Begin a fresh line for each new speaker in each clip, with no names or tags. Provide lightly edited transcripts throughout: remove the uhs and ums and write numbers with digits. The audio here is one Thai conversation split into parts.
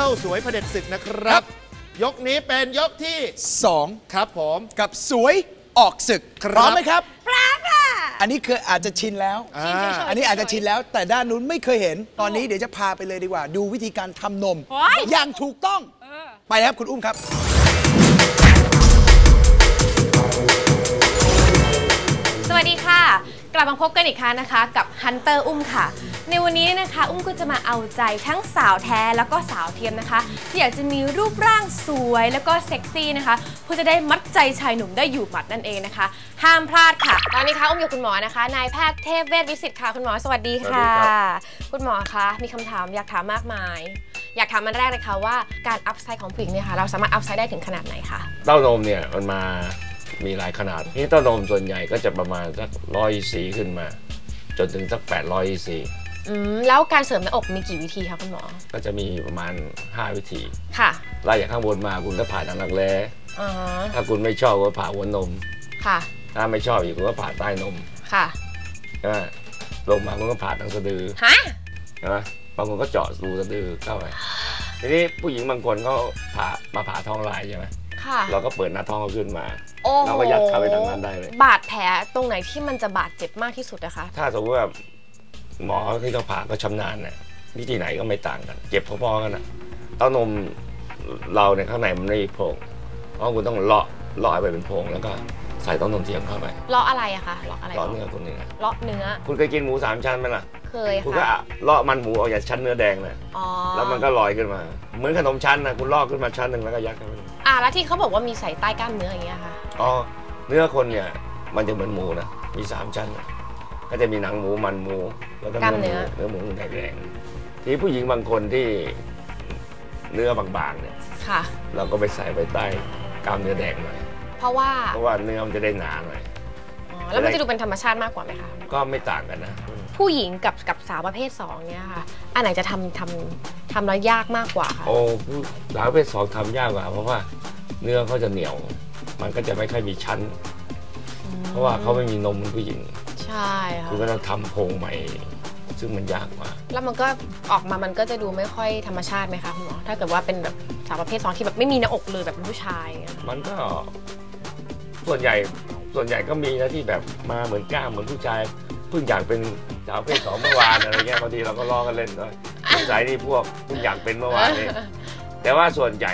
ลสวยเผด็จศึกนะครับยกนี้เป็นยกที่2ครับผม
กับสวยออกศึกพร้อมไหมครับ
พร้อมค่ะ
อันนี้คืออาจจะชินแล้วอันนี้อาจจะชินแล้วแต่ด้านนู้นไม่เคยเห็นตอนนี้เดี๋ยวจะพาไปเลยดีกว่าดูวิธีการทำนมอย่างถูกต้องไปครับคุณอุ้มครับ
สวัสดีค่ะกลับมาพบกันอีกครั้งนะคะกับฮันเตอร์อุ้มค่ะในวันนี้นะคะอุ้มก็จะมาเอาใจทั้งสาวแท้แล้วก็สาวเทียมนะคะที่อยากจะมีรูปร่างสวยแล้วก็เซ็กซี่นะคะเพื่อจะได้มัดใจชายหนุ่มได้อยู่หมัดนั่นเองนะคะห้ามพลาดค่ะตอนนี้ค่ะอุ้มอยู่คุณหมอนะคะนายแพทย์เทพเวชวิสิทธิ์ค่ะคุณหมอสวัสดีค่ะคุณหมอคะมีคำถามอยากถามมากมายอยากถามมันแรกเลยค่ะว่าการอัพไซด์ของผู้หญิงเนี่ยค่ะเราสามารถอัพไซด์ได้ถึงขนาดไหนคะ
เต้านมเนี่ยมันมามีหลายขนาดที่เต้านมส่วนใหญ่ก็จะประมาณสัก100 ขึ้นมาจนถึงสัก800
แล้วการเสริมหน้าอกมีกี่วิธีคะคุณหมอ
ก็จะมีประมาณ5 วิธี
ค่ะ
ไล่จากข้างบนมาคุณก็ผ่าทางรักแร้ถ้าคุณไม่ชอบก็ผ่าหัวนม
ค่ะ
ถ้าไม่ชอบอีกคุณก็ผ่าใต้นม
ค่ะ
ใช่ไหมลงมาคุณก็ผ่าทางสะดือใช่ไหมบางคนก็เจาะรูสะดือเข้าไปทีนี้ผู้หญิงบางคนเขาผ่าท้องลายใช่ไหมเราก็เปิดหน้าท้องเขาขึ้นมาเราก็ยัดเข้าไปทางนั้นได้เลย
บาดแผลตรงไหนที่มันจะบาดเจ็บมากที่สุดนะคะ
ถ้าสมมติว่าหมอที่เขาผ่าก็ชำนาญเนี่ยวิธีไหนก็ไม่ต่างกันเจ็บพอๆกันนะเต้านมเราเนี่ยข้างในมันไม่โพรงเพราะคุณต้องเลาะไปเป็นโพรงแล้วก็ใส่เต้านมเทียมเข้าไป
เลาะอะไรอะคะเลาะอะไร
เลาะเนื้อคุณนี่นะ
เลาะเนื้อ
คุณเคยกินหมู3 ชั้นไหมล่ะ
เคยค่ะ
คุณก็เลาะมันหมูเอาจากชั้นเนื้อแดงเลยแล้วมันก็ลอยขึ้นมาเหมือนขนมชั้นนะคุณลอกขึ้นมาชั้นหนึ่งแล้วก็ยัดเข้าไป
แล้วที่เขาบอกว่ามีใส่ใต้กล้ามเนื้ออย่างเงี้ยค่ะ
เนื้อคนเนี่ยมันจะเหมือนหมูนะมี3 ชั้นก็จะมีหนังหมูมันหมูแล้วก็เนื้อหมูแดงๆที่ผู้หญิงบางคนที่เนื้อบางๆเนี่ยเราก็ไปใส่ไปใต้กล้ามเนื้อแดงหน่อย
เพราะว่า
เนื้อมันจะได้หนาหน่อย
แล้วมันจะดูเป็นธรรมชาติมากกว่าไหมคะ
ก็ไม่ต่างกันนะ
ผู้หญิงกับสาวประเภท2เนี่ยค่ะอันไหนจะทำแล้วยากมากกว่าคะ
สาวประเภท2ทำยากกว่าเพราะว่าเนื้อเขาจะเหนียวมันก็จะไม่ค่อยมีชั้นเพราะว่าเขาไม่มีนมเหมือนผู้หญิง
ใช่ค่ะ
คือก็ต้องทำโพรงใหม่ซึ่งมันยากกว่า
แล้วมันก็ออกมามันก็จะดูไม่ค่อยธรรมชาติไหมคะคุณหมอถ้าเกิดว่าเป็นแบบสาวประเภท2ที่แบบไม่มีหน้าอกเลยแบบเป็นผู้ชาย
มันก็ส่วนใหญ่ก็มีนะที่แบบมาเหมือนกล้ามเหมือนผู้ชายเพิ่งอยากเป็นสาวประเภท2เมื่อวานอะไรเงี้ยบางทีเราก็ล้อกันเล่นด้วยสายนี่พวกเพิ่งอยากเป็นเมื่อวานนี่แต่ว่าส่วนใหญ่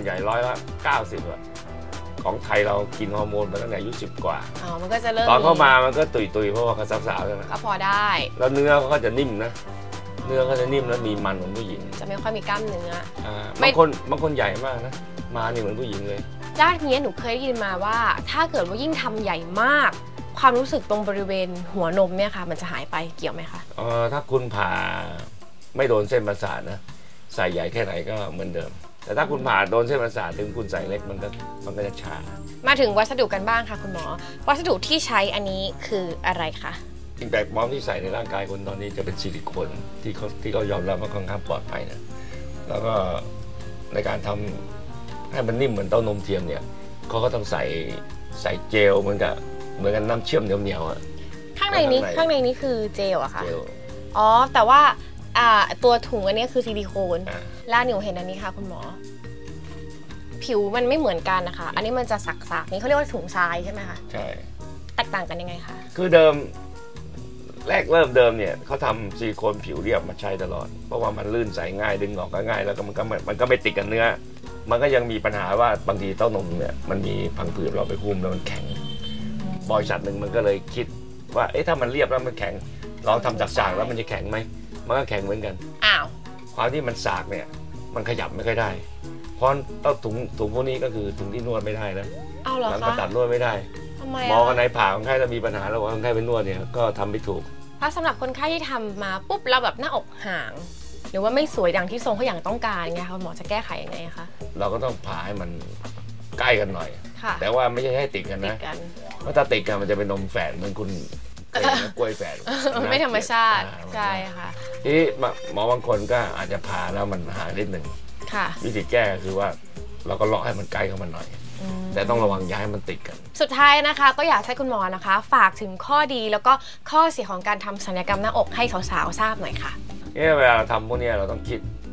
90%ของไทยเรากินฮอร์โมนมาตั้งแต่อายุ10 กว่า
มันก็จะเริ่ม
ตอนเข้ามามันก็ตุยเพราะว่าเขาสาวๆใช่ไหม
ก็พอได้
แล้วเนื้อเขาก็จะนิ่มนะเนื้อเขาจะนิ่มแล้วมีมันของผู้หญิง
จะไม่ค่อยมีกล้ามเนื้อบ
างคนใหญ่มากนะมานี่เหมือนผู้หญิงเลย
ด้านนี้หนูเคยได้ยินมาว่าถ้าเกิดว่ายิ่งทำใหญ่มากความรู้สึกตรงบริเวณหัวนมเนี่ยค่ะมันจะหายไปเกี่ยวไหมคะ
ถ้าคุณผ่าไม่โดนเส้นประสาทนะใส่ใหญ่แค่ไหนก็เหมือนเดิมแต่ถ้าคุณผ่าโดนเส้นประสาทถึงคุณใส่เล็กมันก็จะชา
มาถึงวัสดุกันบ้างค่ะคุณหมอวัสดุที่ใช้อันนี้คืออะไรคะ
สิ่งแปลกปลอมที่ใส่ในร่างกายคนตอนนี้จะเป็นซิลิโคนที่เขายอมรับว่าค่อนข้างปลอดภัยนะแล้วก็ในการทำให้มันนิ่มเหมือนเต้านมเทียมเนี่ยเขาก็ต้องใส่เจลเหมือนกันน้ำเชื่อมเหนียวๆ
ข้างในนี้คือเจลอะค่ะแต่ว่าตัวถุงอันนี้คือซิลิโคนแล้วหนูเห็นอันนี้ค่ะคุณหมอผิวมันไม่เหมือนกันนะคะอันนี้มันจะสักๆนี่เขาเรียกว่าถุงทรายใช่ไหมคะ
ใช่
แตกต่างกันยังไงคะ
คือเดิมเริ่มเนี่ยเขาทำซิลิโคนผิวเรียบมาใช้ตลอดเพราะว่ามันลื่นใสง่ายดึงออกก็ง่ายแล้วก็มันก็ไม่ติดกับเนื้อมันก็ยังมีปัญหาว่าบางทีเต้านมเนี่ยมันมีพังผืดเราไปหุ้มแล้วมันแข็งบริษัทหนึ่งมันก็เลยคิดว่าถ้ามันเรียบแล้วมันแข็งลองทำจากสากแล้วมันจะแข็งไหมมันก็แข็งเหมือนกันความที่มันสากเนี่ยมันขยับไม่ค่อยได้เพราะถุงพวกนี้ก็คือถุงที่นวดไม่ได้นะหลังก็ตัดนวดไม่ได้หมอคนไหนผ่าคนไข้แล้วมีปัญหาแล้วคนไข้ไปนวดเนี่ยก็ทำไม่ถูก
ถ้าสำหรับคนไข้ที่ทำมาปุ๊บแล้วแบบหน้าอกห่างหรือว่าไม่สวยอย่างที่ทรงเขาอย่างต้องการไงคะหมอจะแก้ไขยังไงคะ
เราก็ต้องผ่าให้มันใกล้กันหน่อยแต่ว่าไม่ใช่ให้ติดกันนะเพราะถ้าติดกันมันจะเป็นนมแฝดเหมือนคุณกล้วยแฝด
ไม่ธรรมชาติใช่ค่ะ
ที่หมอบางคนก็อาจจะผ่าแล้วมันหายนิดหนึ่งวิธีแก้คือว่าเราก็เลาะให้มันใกล้เข้ามาหน่อยแต่ต้องระวังย้ายมันติดกัน
สุดท้ายนะคะก็อยากให้คุณหมอนะคะฝากถึงข้อดีแล้วก็ข้อเสียของการทำศัลยกรรมหน้าอกให้สาวๆทราบหน่อยค่ะ
เวลาเราทำพวกนี้เราต้องคิด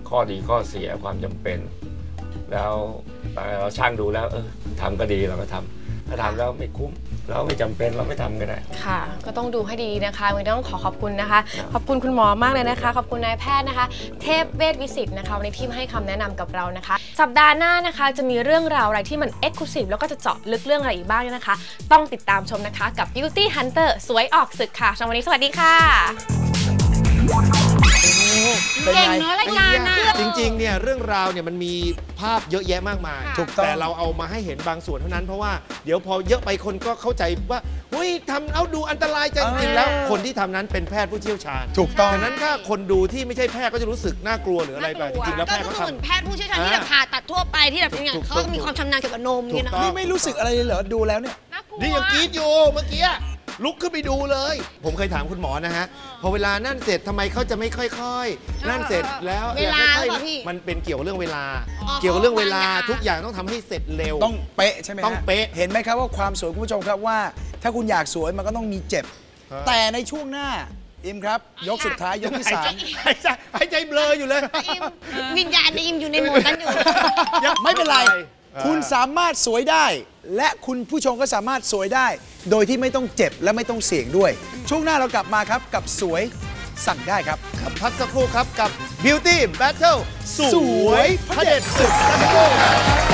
ข้อดีข้อเสียความจำเป็น แล้วเราช่างดูแล้วทำก็ดีเราก็ทำถ้าทำแล้วไม่คุ้มเราไม่จำเป็นเราไม่ทำก็ได้
ค่ะก็ต้องดูให้ดีนะคะวันนี้ต้องขอบคุณนะคะขอบคุณคุณหมอมากเลยนะคะขอบคุณนายแพทย์นะคะเทพเวชวิสิตนะคะวันนี้ที่มาให้คำแนะนำกับเรานะคะสัปดาห์หน้านะคะจะมีเรื่องราวอะไรที่มันเอ็กซ์คลูซีฟแล้วก็จะเจาะลึกเรื่องอะไรอีกบ้างเนี่ยนะคะต้องติดตามชมนะคะกับ Beauty Hunter สวยออกศึกค่ะสำหรับวันนี้สวัสดีค่ะ
เก่งเนาะรายการนะจริงๆเนี่ยเรื่องราวเนี่ยมันมีภาพเยอะแยะมากมายแต่เราเอามาให้เห็นบางส่วนเท่านั้นเพราะว่าเดี๋ยวพอเยอะไปคนก็เข้าใจว่าเฮ้ยทำเอาดูอันตรายจริงๆแล้วคนที่ทำนั้นเป็นแพทย์ผู้เชี่ยวชาญ
ถูกต้อง
ดังนั้นถ้าคนดูที่ไม่ใช่แพทย์ก็จะรู้สึกน่ากลัวหรืออะไรไปจริงๆแล้วแพทย์เขาทำ
เหมือนแพทย์ผู้เชี่ยวชาญที่แบบผ่าตัดทั่วไปที่แบบอย่างเขามีความชำนาญเกี่ยวกับนมนี่นะ
นี่ไม่รู้สึกอะไรเลยเหรอดูแล้วเนี่ย
นี่ยังกรี๊ดอยู่เมื่อกี้ลุกขึ้นไปดูเลยผมเคยถามคุณหมอนะฮะพอเวลานั่นเสร็จทำไมเขาจะไม่ค่อยๆนั่นเสร็จแล้ว
เวลา
มันเป็นเกี่ยวกับเรื่องเวลาเกี่ยวกับเรื่องเวลาทุกอย่างต้องทำให้เสร็จเร็ว
ต้องเป๊ะใช่ไหม
ต้องเป๊ะ
เห็นไหมครับว่าความสวยคุณผู้ชมครับว่าถ้าคุณอยากสวยมันก็ต้องมีเจ็บแต่ในช่วงหน้าอิมครับยกสุดท้ายยกที่3
หายใจเบลออยู่เลย
วิญญาณในอิมอยู่ในโหมดนั้นอยู่
ไม่เป็นไรคุณสามารถสวยได้และคุณผู้ชมก็สามารถสวยได้โดยที่ไม่ต้องเจ็บและไม่ต้องเสี่ยงด้วยช่วงหน้าเรากลับมาครับกับสวยสั่งได้ครับ
พักสักครู่ครับกับ Beauty Battle สวยเผด็จศึกสักครู่